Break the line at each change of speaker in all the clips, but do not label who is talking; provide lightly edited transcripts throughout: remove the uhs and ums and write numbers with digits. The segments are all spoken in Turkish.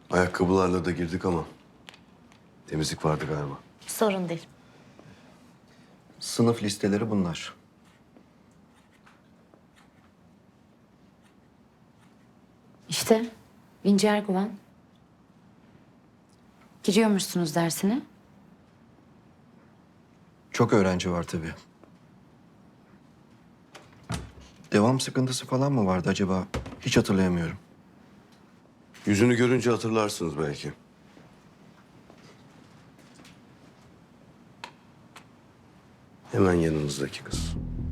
Ayakkabılarla da girdik ama temizlik vardı galiba.
Sorun değil.
Sınıf listeleri bunlar.
İşte İnci Erguvan. Giriyormuşsunuz dersine.
Çok öğrenci var tabii. Devam sıkıntısı falan mı vardı acaba? Hiç hatırlayamıyorum.
Yüzünü görünce hatırlarsınız belki. Hemen yanınızdaki kız.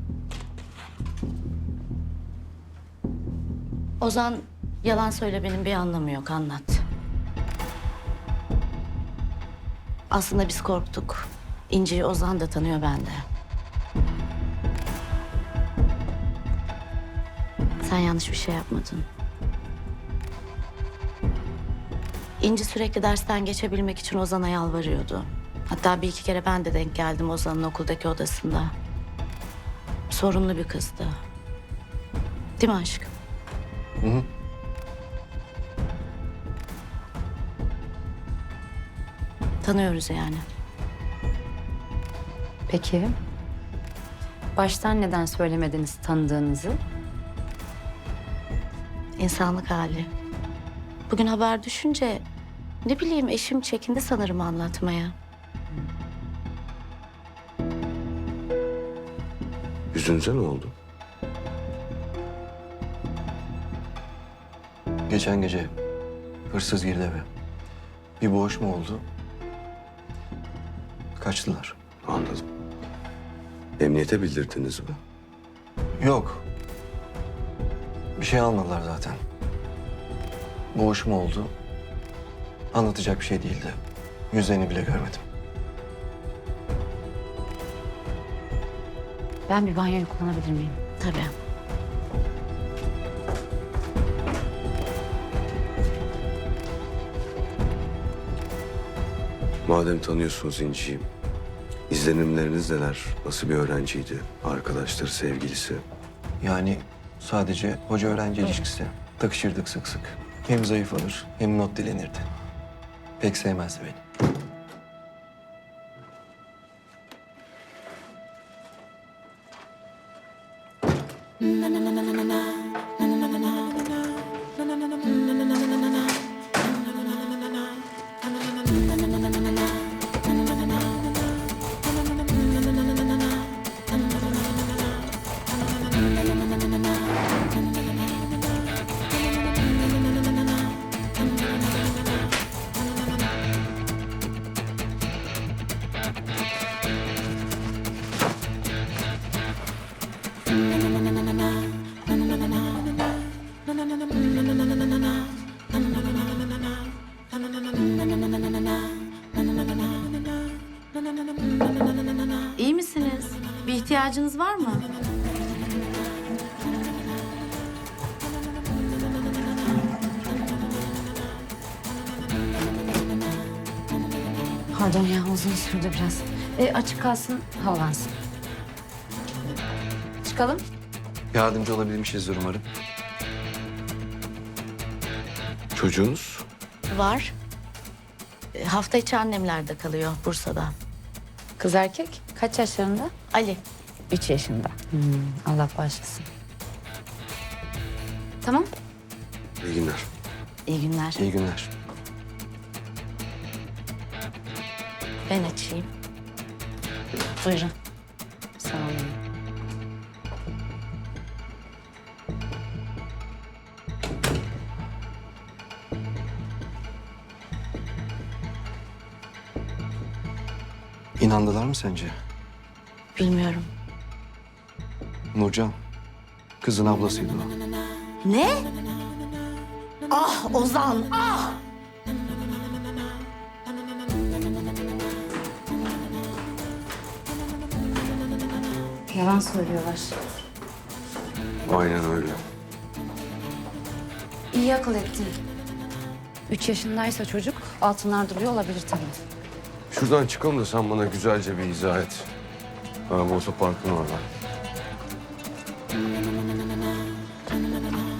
Ozan, yalan söylemenin bir anlamı yok, anlat. Aslında biz korktuk. İnci'yi Ozan da tanıyor, ben de. Sen yanlış bir şey yapmadın. İnci sürekli dersten geçebilmek için Ozan'a yalvarıyordu. Hatta bir iki kere ben de denk geldim Ozan'ın okuldaki odasında. Sorunlu bir kızdı. Değil mi aşkım?
Hı hı.
Tanıyoruz yani.
Peki. Baştan neden söylemediniz tanıdığınızı?
İnsanlık hali. Bugün haber düşünce ne bileyim eşim çekindi sanırım anlatmaya.
Yüzünüze ne oldu?
Geçen gece hırsız girdi eve. Bir boğuşma oldu. Kaçtılar.
Anladım. Emniyete bildirdiniz mi?
Yok. Bir şey almadılar zaten. Boğuşma oldu. Anlatacak bir şey değildi. Yüzlerini bile görmedim.
Ben bir banyoyu kullanabilir miyim?
Tabii.
Madem tanıyorsunuz İnci'yi, izlenimleriniz neler? Nasıl bir öğrenciydi? Arkadaşları, sevgilisi?
Yani sadece hoca öğrenci ilişkisi. Takışırdık sık sık. Hem zayıf alır hem not dilenirdi. Pek sevmezdi beni.
İyi misiniz? Bir ihtiyacınız var mı?
Pardon ya, uzun sürdü biraz. Açık kalsın, havalansın. Çıkalım.
Yardımcı olabilmişizdir umarım.
Çocuğunuz?
Var. Hafta içi annemlerde kalıyor Bursa'da.
Kız erkek kaç yaşlarında?
Ali.
3 yaşında. Allah bağışlasın. Tamam.
İyi günler.
İyi günler.
İyi günler.
Ben açayım. Buyurun.
Sağ olun.
İnandılar mı sence?
Bilmiyorum.
Nurcan, kızın ablasıydı o.
Ne? Ah Ozan, ah!
Yalan söylüyorlar.
Aynen öyle.
İyi akıl ettin. 3 yaşındaysa çocuk altınlar duruyor olabilir tabii.
Şuradan çıkalım da sen bana güzelce bir izah et. Ha, bu otoparkın orada.